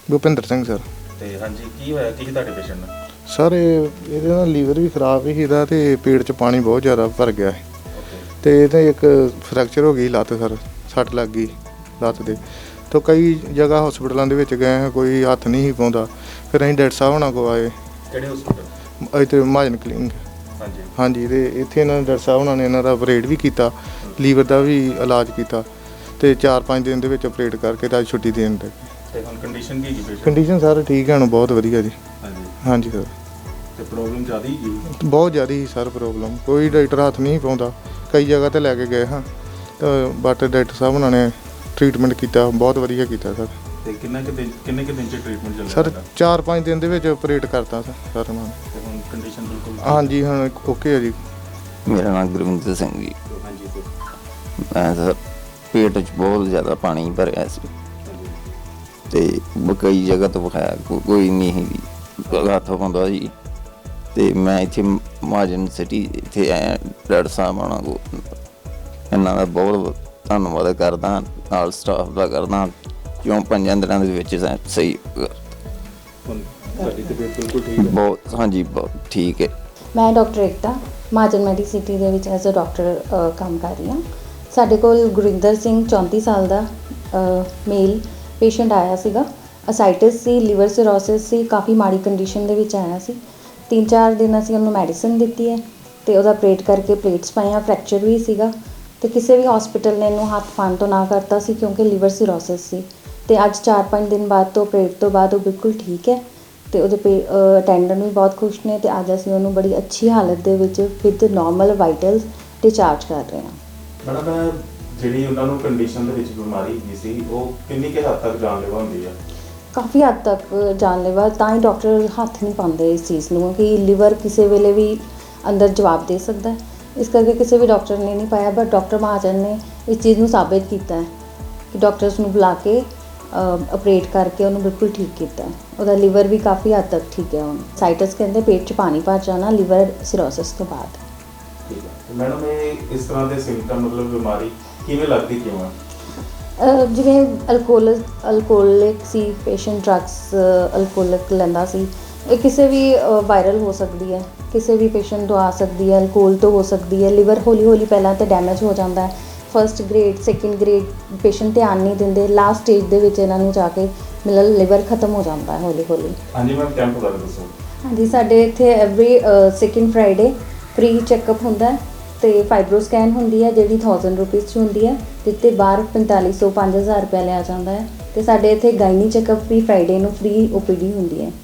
Bhupinder Singh sir. ਤੇ ਹਾਂਜੀ ਕੀ ਹੋਇਆ ਕੀ ਤੁਹਾਡੇ ਪੇਸ਼ੈਂਟ ਨਾਲ? ਸਰ ਇਹਦੇ ਨਾਲ ਲੀਵਰ ਵੀ ਖਰਾਬ ਸੀ ਇਹਦਾ ਤੇ ਪੇਟ 'ਚ ਪਾਣੀ ਬਹੁਤ ਜ਼ਿਆਦਾ ਭਰ ਗਿਆ ਸੀ ਤੇ ਇਹਦੇ ਇੱਕ ਫ੍ਰੈਕਚਰ ਹੋ ਗਈ ਲੱਤ ਸਰ, ਸੱਟ ਲੱਗ ਗਈ ਲੱਤ ਦੇ। ਤਾਂ ਕਈ ਜਗ੍ਹਾ ਹਸਪਤਾਲਾਂ ਦੇ ਵਿੱਚ ਗਏ ਹਾਂ, ਕੋਈ ਹੱਥ ਨਹੀਂ ਸੀ ਪਾਉਂਦਾ। ਫਿਰ ਅਸੀਂ ਡਾਕਟਰ ਸਾਹਿਬ ਹੋਣਾ ਕੋਲ ਆਏ। ਕਿਹੜੇ ਹਸਪਤਾਲ? ਇੱਥੇ ਮਹਾਜਨ ਕਲੀਨਿਕ। ਹਾਂਜੀ ਹਾਂਜੀ, ਤੇ ਇੱਥੇ ਇਹਨਾਂ ਨੇ ਡਾਕਟਰ ਸਾਹਿਬ ਹੋਣਾ ਨੇ ਇਹਨਾਂ ਦਾ ਆਪਰੇਟ ਵੀ ਕੀਤਾ, ਲੀਵਰ ਦਾ ਵੀ ਇਲਾਜ ਕੀਤਾ ਤੇ 4-5 ਦਿਨ ਦੇ ਵਿੱਚ ਆਪਰੇਟ ਕਰਕੇ ਤਾਂ ਅੱਜ ਛੁੱਟੀ ਦੇਣ ਦੇ। ਤੇ ਹੁਣ ਕੰਡੀਸ਼ਨ ਕੀ ਹੈ ਪੇਸ਼ੈਂਟ? ਕੰਡੀਸ਼ਨ ਸਰ ਠੀਕ ਹੈ ਹੁਣ, ਬਹੁਤ ਵਧੀਆ ਜੀ। ਹਾਂਜੀ ਹਾਂਜੀ ਸਰ। ਤੇ ਪ੍ਰੋਬਲਮ ਜ਼ਿਆਦਾ ਹੀ ਗਈ? ਬਹੁਤ ਜ਼ਿਆਦਾ ਸੀ ਸਰ ਪ੍ਰੋਬਲਮ, ਕੋਈ ਡਾਕਟਰ ਹੱਥ ਨਹੀਂ ਪਾਉਂਦਾ। ਕਈ ਜਗ੍ਹਾ 'ਤੇ ਲੈ ਕੇ ਗਏ ਹਾਂ ਤਾਂ ਬਟ ਡਾਕਟਰ ਸਾਹਿਬ ਉਹਨਾਂ ਨੇ ਟਰੀਟਮੈਂਟ ਕੀਤਾ, ਬਹੁਤ ਵਧੀਆ ਕੀਤਾ ਸਰ। ਤੇ ਕਿੰਨੇ ਕੁ ਦਿਨ 'ਚ ਟਰੀਟਮੈਂਟ ਚੱਲਿਆ ਸਰ 4-5 ਦਿਨ ਦੇ ਵਿੱਚ ਆਪਰੇਟ ਕਰਤਾ ਸਰ ਉਹਨਾਂ ਨੇ। ਤੇ ਹੁਣ ਕੰਡੀਸ਼ਨ ਬਿਲਕੁਲ? ਹਾਂਜੀ ਹੁਣ ਓਕੇ ਹੈ ਜੀ। ਮੇਰਾ ਨਾਮ ਗੁਰਵਿੰਦਰ ਸਿੰਘ ਜੀ। ਹਾਂਜੀ ਸਰ। ਮੈਂ ਸਰ ਪੇਟ 'ਚ ਬਹੁਤ ਜ਼ਿਆਦਾ ਪਾਣੀ ਭਰਿਆ ਸੀ ਤੇ ਕਈ ਜਗ੍ਹਾ ਤੋਂ ਵਿਖਾਇਆ, ਕੋਈ ਨਹੀਂ ਸੀ ਹੱਥ ਪਾਉਂਦਾ ਜੀ। ਤੇ ਮੈਂ ਇੱਥੇ ਮਹਾਜਨ ਸਿਟੀ ਇੱਥੇ ਆਇਆ, ਡਾਕਟਰ ਸਾਹਿਬ ਆਉਣਾ ਕੋ ਇਹਨਾਂ ਦਾ ਬਹੁਤ ਧੰਨਵਾਦ ਕਰਦਾ, ਨਾਲ ਸਟਾਫ ਦਾ ਕਰਦਾ, ਕਿਉਂ 5 ਦਿਨਾਂ ਦੇ ਵਿੱਚ ਸਹੀ ਹੁਣ ਤੁਹਾਡੀ ਤਬੀਅਤ ਬਿਲਕੁਲ ਠੀਕ ਹੈ? ਬਹੁਤ, ਹਾਂਜੀ ਬਹੁਤ ਠੀਕ ਹੈ। ਮੈਂ ਡਾਕਟਰ ਏਕਤਾ ਮਹਾਜਨ ਮੈਡੀਸਿਟੀ ਦੇ ਵਿੱਚ ਐਜ਼ ਅ ਡਾਕਟਰ ਕੰਮ ਕਰ ਰਹੀ ਹਾਂ। ਸਾਡੇ ਕੋਲ ਗੁਰਿੰਦਰ ਸਿੰਘ 34 ਸਾਲ ਦਾ ਮੇਲ ਪੇਸ਼ੈਂਟ ਆਇਆ ਸੀਗਾ। ਅਸਾਈਟਿਸ ਸੀ, ਲਿਵਰ ਸਿਰੋਸਿਸ ਸੀ, ਕਾਫੀ ਮਾੜੀ ਕੰਡੀਸ਼ਨ ਦੇ ਵਿੱਚ ਆਇਆ ਸੀ। 3-4 ਦਿਨ ਅਸੀਂ ਉਹਨੂੰ ਮੈਡੀਸਨ ਦਿੱਤੀ ਹੈ ਤੇ ਉਹਦਾ ਆਪਰੇਟ ਕਰਕੇ ਪਲੇਟਸ ਪਾਈਆਂ, ਫ੍ਰੈਕਚਰ ਵੀ ਸੀਗਾ ਤੇ ਕਿਸੇ ਵੀ ਹਸਪੀਟਲ ਨੇ ਇਹਨੂੰ ਹੱਥ ਪਾਉਣ ਤੋਂ ਨਾ ਕਰਤਾ ਸੀ ਕਿਉਂਕਿ ਲਿਵਰ ਸਿਰੋਸਿਸ ਸੀ। ਤੇ ਅੱਜ 4-5 ਦਿਨ ਬਾਅਦ ਤੋਂ ਆਪਰੇਟ ਤੋਂ ਬਾਅਦ ਉਹ ਬਿਲਕੁਲ ਠੀਕ ਹੈ ਤੇ ਉਹਦੇ ਅਟੈਂਡੈਂਟ ਵੀ ਬਹੁਤ ਖੁਸ਼ ਨੇ ਤੇ ਅੱਜ ਅਸੀਂ ਉਹਨੂੰ ਬੜੀ ਅੱਛੀ ਹਾਲਤ ਦੇ ਵਿੱਚ ਵਿਦ ਨਾਰਮਲ ਵਾਈਟਲਸ ਡਿਸਚਾਰਜ ਕਰ ਰਹੇ ਹਾਂ। ਮੈਡਮ ਜਿਹੜੀ ਉਹਨਾਂ ਨੂੰ ਕੰਡੀਸ਼ਨ ਦੇ ਵਿੱਚ ਬਿਮਾਰੀ ਹੈਗੀ ਸੀ, ਉਹ ਕਿੰਨੀ ਕੁ ਹੱਦ ਤੱਕ ਜਾਨਲੇਵਾ ਹੁੰਦੀ ਆ? ਕਾਫੀ ਹੱਦ ਤੱਕ ਜਾਨਲੇਵਾ, ਤਾਂ ਹੀ ਡਾਕਟਰ ਹੱਥ ਨਹੀਂ ਪਾਉਂਦੇ ਇਸ ਚੀਜ਼ ਨੂੰ ਕਿ ਲੀਵਰ ਕਿਸੇ ਵੇਲੇ ਵੀ ਅੰਦਰ ਜਵਾਬ ਦੇ ਸਕਦਾ ਹੈ। ਇਸ ਕਰਕੇ ਕਿਸੇ ਵੀ ਡਾਕਟਰ ਨੇ ਨਹੀਂ ਪਾਇਆ, ਬਟ ਡਾਕਟਰ ਮਹਾਜਨ ਨੇ ਇਸ ਚੀਜ਼ ਨੂੰ ਸਾਬਿਤ ਕੀਤਾ ਹੈ ਕਿ ਡਾਕਟਰਸ ਨੂੰ ਬੁਲਾ ਕੇ ਆਪਰੇਟ ਕਰਕੇ ਉਹਨੂੰ ਬਿਲਕੁਲ ਠੀਕ ਕੀਤਾ। ਉਹਦਾ ਲੀਵਰ ਵੀ ਕਾਫੀ ਹੱਦ ਤੱਕ ਠੀਕ ਹੈ ਹੁਣ। ਸਾਈਟਸ ਕਹਿੰਦੇ ਪੇਟ 'ਚ ਪਾਣੀ ਭਰ ਜਾਣਾ ਲਿਵਰ ਸਿਰੋਸਿਸ ਤੋਂ ਬਾਅਦ। ਠੀਕ ਹੈ ਮੈਡਮ, ਇਹ ਇਸ ਤਰ੍ਹਾਂ ਦੇ ਸਿੰਪਟਮ ਮਤਲਬ ਬਿਮਾਰੀ ਕਿਵੇਂ ਲੱਗਦੀ ਕਿਉਂ ਆ? ਜਿਵੇਂ ਅਲਕੋਹਲਿਕ ਸੀ ਪੇਸ਼ੈਂਟ, ਡਰੱਗਸ ਅਲਕੋਹਲਿਕ ਲੈਂਦਾ ਸੀ, ਇਹ ਕਿਸੇ ਵੀ ਵਾਇਰਲ ਹੋ ਸਕਦੀ ਹੈ, ਕਿਸੇ ਵੀ ਪੇਸ਼ੈਂਟ ਤੋਂ ਆ ਸਕਦੀ ਹੈ, ਅਲਕੋਹਲ ਤੋਂ ਹੋ ਸਕਦੀ ਹੈ। ਲਿਵਰ ਹੌਲੀ ਪਹਿਲਾਂ ਤਾਂ ਡੈਮੇਜ ਹੋ ਜਾਂਦਾ ਹੈ, first grade second grade patient ਧਿਆਨ ਨਹੀਂ ਦਿੰਦੇ, ਲਾਸਟ ਸਟੇਜ ਦੇ ਵਿੱਚ ਇਹਨਾਂ ਨੂੰ ਜਾ ਕੇ ਮਤਲਬ ਲਿਵਰ ਖਤਮ ਹੋ ਜਾਂਦਾ ਹੈ ਹੌਲੀ। ਹਾਂਜੀ ਮੈਮ, ਕੈਂਪ ਬਾਰੇ ਦੱਸੋ। ਹਾਂਜੀ, ਸਾਡੇ ਇੱਥੇ every second Friday free checkup ਹੁੰਦਾ ਹੈ ਤੇ ਫਾਈਬਰੋ ਸਕੈਨ ਹੁੰਦੀ ਹੈ ਜਿਹੜੀ 1000 ਰੁਪੀਜ਼ 'ਚ ਹੁੰਦੀ ਹੈ, ਜਿੱਤੇ ਬਾਹਰ 4500-5000 ਰੁਪਇਆ ਲਿਆ ਜਾਂਦਾ ਹੈ। ਤੇ ਸਾਡੇ ਇੱਥੇ ਗਾਇਨੀ ਚੈੱਕਅਪ ਵੀ ਫਰਾਈਡੇ ਨੂੰ ਫ੍ਰੀ OPD ਹੁੰਦੀ ਹੈ।